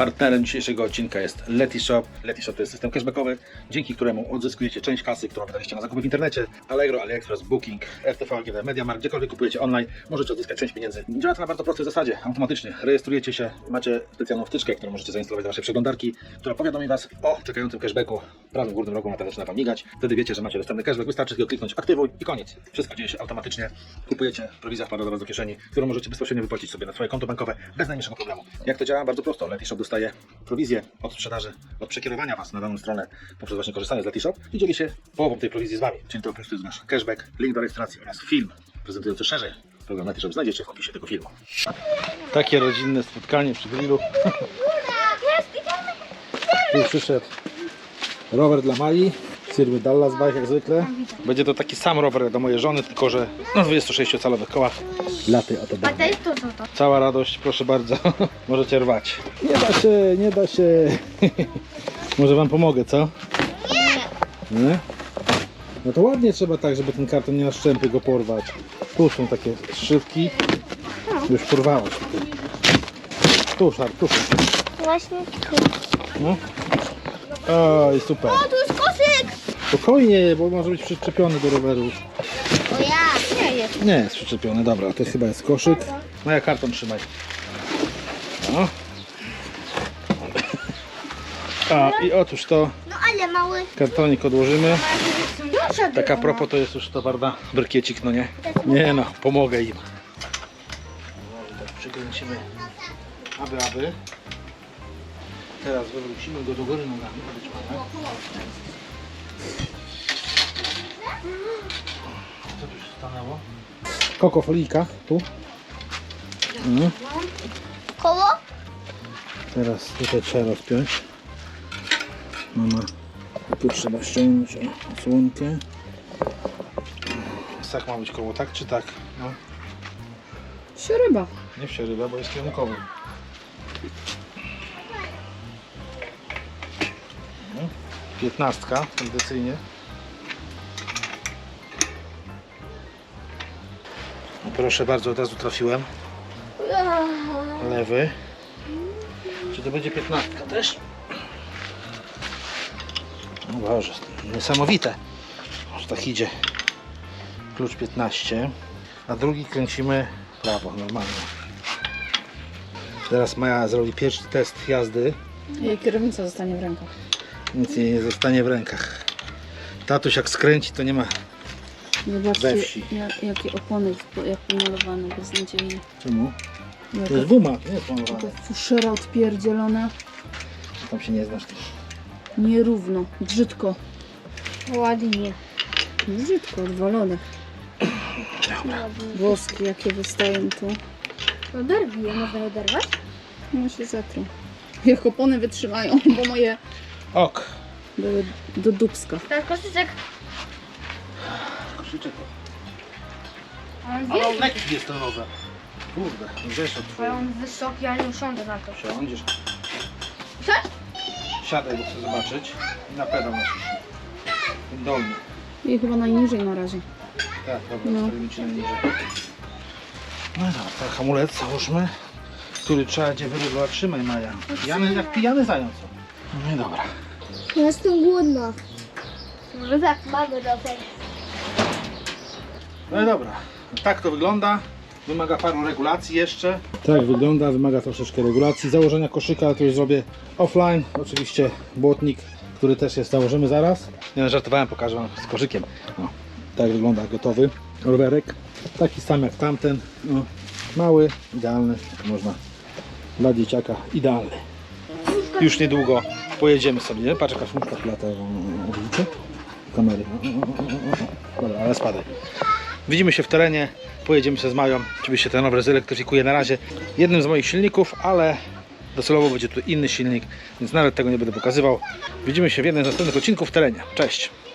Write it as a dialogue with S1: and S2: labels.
S1: Partnerem dzisiejszego odcinka jest Letishop. Letishop to jest system cashbackowy, dzięki któremu odzyskujecie część kasy, którą wydaliście na zakupy w internecie. Allegro, AliExpress, Booking, RTV, AGD, MediaMarkt, gdziekolwiek kupujecie online, możecie odzyskać część pieniędzy. Działa to na bardzo prostej zasadzie, automatycznie. Rejestrujecie się, macie specjalną wtyczkę, którą możecie zainstalować do waszej przeglądarki, która powiadomi was o czekającym cashbacku. W prawym górnym rogu na zaczyna wam migać. Wtedy wiecie, że macie dostępny cashback. Wystarczy tylko kliknąć aktywuj i koniec. Wszystko dzieje się automatycznie. Kupujecie, prowizja wpada do was do kieszeni, którą możecie bezpośrednio wypłacić sobie na swoje konto bankowe bez najmniejszego problemu. Jak to działa? Bardzo prosto. Letishop dostaje prowizję od sprzedaży, od przekierowania was na daną stronę poprzez właśnie korzystanie z Letishop i dzieli się połową tej prowizji z wami. Czyli to po prostu jest nasz cashback, link do rejestracji oraz film prezentujący szerzej program Letishop znajdziecie w opisie tego filmu. Takie rodzinne spotkanie przy grillu. Tu przyszedł rower dla Mai z firmy Dallas Bike jak zwykle. Będzie to taki sam rower jak do mojej żony, tylko że na 26-calowych kołach. Laty o to
S2: A to jest to.
S1: Cała radość, proszę bardzo. Możecie rwać. Nie da się, nie da się. Może wam pomogę, co? Nie. No to ładnie trzeba tak, żeby ten karton nie na szczępy go porwać. Tu są takie szybki. Już porwałeś. Tu, szar, tu.
S2: Właśnie.
S1: No. Oj, super.
S2: O, tu jest koszyk!
S1: Spokojnie, bo może być przyczepiony do roweru.
S2: O ja! Nie jest.
S1: Nie jest przyczepiony, dobra, to chyba jest koszyk. No ja karton trzymaj. No. A i otóż to
S2: No ale mały.
S1: kartonik odłożymy.
S2: Duża
S1: Tak a propos to jest już to prawda brykiecik, no nie? Nie no, pomogę im. Tak przykręcimy aby. Teraz wywrócimy go do góry nogami. Co tu się stanęło? Kokofolika, tu.
S2: Koło?
S1: Teraz tutaj trzeba rozpiąć. Mama, tu trzeba ściągnąć osłonkę. Tak ma być koło, tak czy tak? No.
S3: Sieryba.
S1: Nie wsieryba, bo jest kierunkowy. No. 15 tradycyjnie. Proszę bardzo, od razu trafiłem. Lewy. Czy to będzie 15 też? No Boże, niesamowite. Aż tak idzie. Klucz 15. A drugi kręcimy prawo, normalnie. Teraz Maja zrobi pierwszy test jazdy.
S3: Jej kierownica zostanie w rękach.
S1: Nic jej nie zostanie w rękach. Tatuś jak skręci, to nie ma.
S3: Zobaczcie,
S1: We wsi.
S3: jakie opony, jak pomalowane, beznadziejnie.
S1: Czemu? To jest
S3: Jaka
S1: guma, nie jest pomalowane.
S3: fuszera odpierdzielona.
S1: Tam się nie znasz.
S3: Nierówno, brzydko.
S2: Ładnie.
S3: Brzydko, odwalone. Włoski jakie wystają tu.
S2: No derbi, można je derwać?
S3: No się zatrą. Jak opony wytrzymają, bo moje
S1: Ok.
S3: były do dubska.
S2: Ten koszyczek.
S1: Krzyczę to.
S2: On
S1: Ale
S2: wielki.
S1: on lekki jest ten rower. Kurde, wiesz od
S2: Ale
S1: twojego.
S2: on wysoki, ale nie usiądę na to.
S1: Siądziesz.
S2: Siadź?
S1: Siadaj, bo chcę zobaczyć. I na pedał naciśnij. Ten dolny.
S3: I chyba najniżej na razie.
S1: Tak, dobra,
S3: No.
S1: stawimy ci na niżej. No dobra, ten hamulec załóżmy, który trzeba gdzie wyrywać. Trzymaj Maja. Pijany, jak pijany zając. No i dobra.
S2: Ja jestem głodna. Może tak, mamy rower.
S1: No i dobra. Tak to wygląda. Wymaga paru regulacji jeszcze. Tak wygląda, wymaga troszeczkę regulacji. Założenia koszyka to już zrobię offline. Oczywiście błotnik, który też jest, założymy zaraz. Nie no, żartowałem, pokażę wam z koszykiem. No, tak wygląda gotowy rowerek. Taki sam jak tamten. No, mały, idealny. Można dla dzieciaka idealny. Już niedługo pojedziemy sobie. Nie? Patrz jaka szmuczka plata. Odwrócę kamery. Dobra, ale spadaj. Widzimy się w terenie, pojedziemy się z Mają. Oczywiście ten rower zelektryfikuję na razie jednym z moich silników, ale docelowo będzie tu inny silnik, więc nawet tego nie będę pokazywał. Widzimy się w jednym z następnych odcinków w terenie. Cześć!